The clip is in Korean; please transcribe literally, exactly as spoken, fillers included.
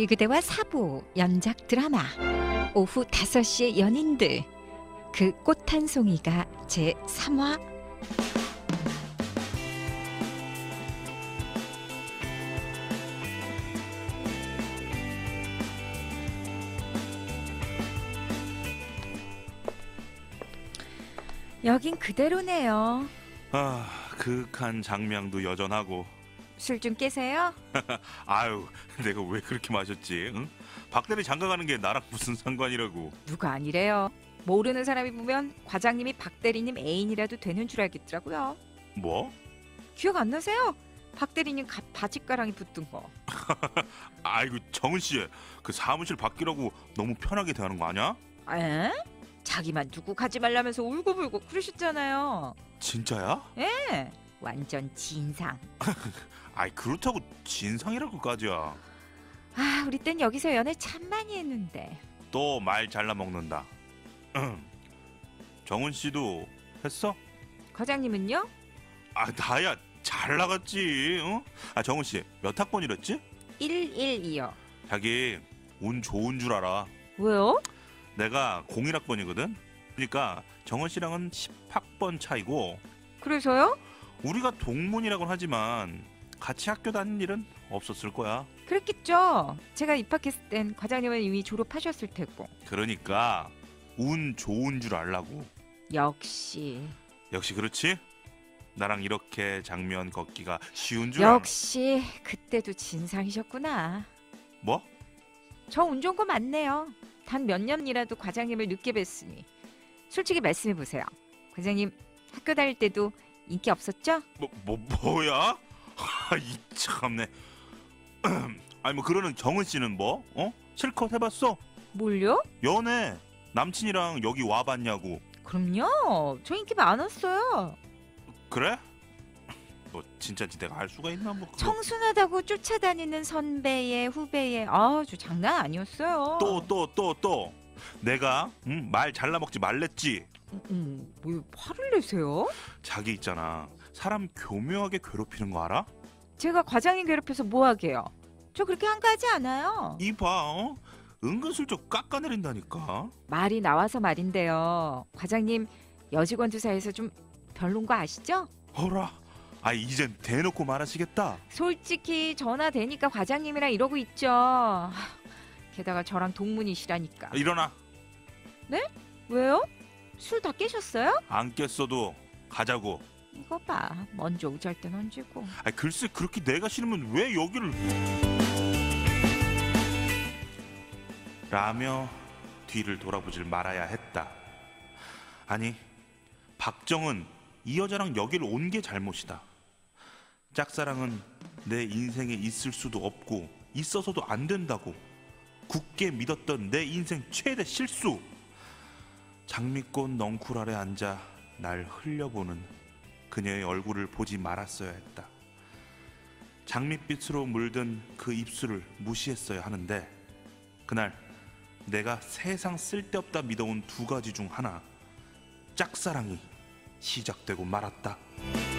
다시 그대와 사부 연작 드라마 오후 다섯 시의 연인들 그 꽃 한 송이가 제삼 화. 여긴 그대로네요. 아, 그윽한 장명도 여전하고. 술 좀 깨세요? 아유, 내가 왜 그렇게 마셨지? 응? 박대리 장가 가는 게 나랑 무슨 상관이라고. 누가 아니래요. 모르는 사람이 보면 과장님이 박대리님 애인이라도 되는 줄 알겠더라고요. 뭐? 기억 안 나세요? 박대리님 가, 바짓가랑이 붙은 거. 아이고, 정은 씨, 그 사무실 바뀌라고 너무 편하게 대하는 거 아니야? 에? 자기만 두고 가지 말라면서 울고불고 그러셨잖아요. 진짜야? 예, 완전 진상. 아이, 그렇다고 진상이라고까지야. 아, 우리 땐 여기서 연애 참 많이 했는데. 또 말 잘라 먹는다. 정은 씨도 했어? 과장님은요? 아, 나야 잘 나갔지. 어? 아, 정은 씨 몇 학번이랬지? 일일이요. 자기 운 좋은 줄 알아. 왜요? 내가 공일 학번이거든. 그러니까 정은 씨랑은 십 학번 차이고. 그래서요? 우리가 동문이라고는 하지만 같이 학교 다닌 일은 없었을 거야. 그랬겠죠. 제가 입학했을 땐 과장님은 이미 졸업하셨을 테고. 그러니까 운 좋은 줄 알라고. 역시. 역시 그렇지? 나랑 이렇게 장면 걷기가 쉬운 줄 알아. 역시 그때도 진상이셨구나. 뭐? 저 운 좋은 거 맞네요. 단 몇 년이라도 과장님을 늦게 뵀으니. 솔직히 말씀해보세요. 과장님 학교 다닐 때도 인기 없었죠? 뭐, 뭐 뭐야? 이 참네. 아니 뭐 그러는 정은 씨는 뭐? 어? 실컷 해봤어? 뭘요? 연애 남친이랑 여기 와봤냐고. 그럼요. 저 인기 많았어요. 그래? 뭐 진짜인지 내가 알 수가 있나 뭐. 그거. 청순하다고 쫓아다니는 선배의 후배의 아저 장난 아니었어요. 또 또 또 또 내가 응? 말 잘라 먹지 말랬지. 음, 뭐 화를 내세요? 자기 있잖아, 사람 교묘하게 괴롭히는 거 알아? 제가 과장님 괴롭혀서 뭐 하게요? 저 그렇게 한가하지 않아요. 이봐, 어? 은근슬쩍 깎아내린다니까. 말이 나와서 말인데요. 과장님 여직원들 사이에서 좀 별론 거 아시죠? 어라, 아 이젠 대놓고 말하시겠다. 솔직히 전화 되니까 과장님이랑 이러고 있죠. 하, 게다가 저랑 동문이시라니까. 일어나. 왜요? 술 다 깨셨어요? 안 깼어도 가자고. 이거 봐. 먼저 우잘 땐 얹고. 아 글쎄, 그렇게 내가 싫으면 왜 여기를 라며 뒤를 돌아보질 말아야 했다. 아니, 박정은 이 여자랑 여기를 온 게 잘못이다. 짝사랑은 내 인생에 있을 수도 없고 있어서도 안 된다고 굳게 믿었던 내 인생 최대 실수. 장미꽃 넝쿨 아래 앉아 날 흘려보는 그녀의 얼굴을 보지 말았어야 했다. 장밋빛으로 물든 그 입술을 무시했어야 하는데 그날 내가 세상 쓸데없다 믿어온 두 가지 중 하나, 짝사랑이 시작되고 말았다.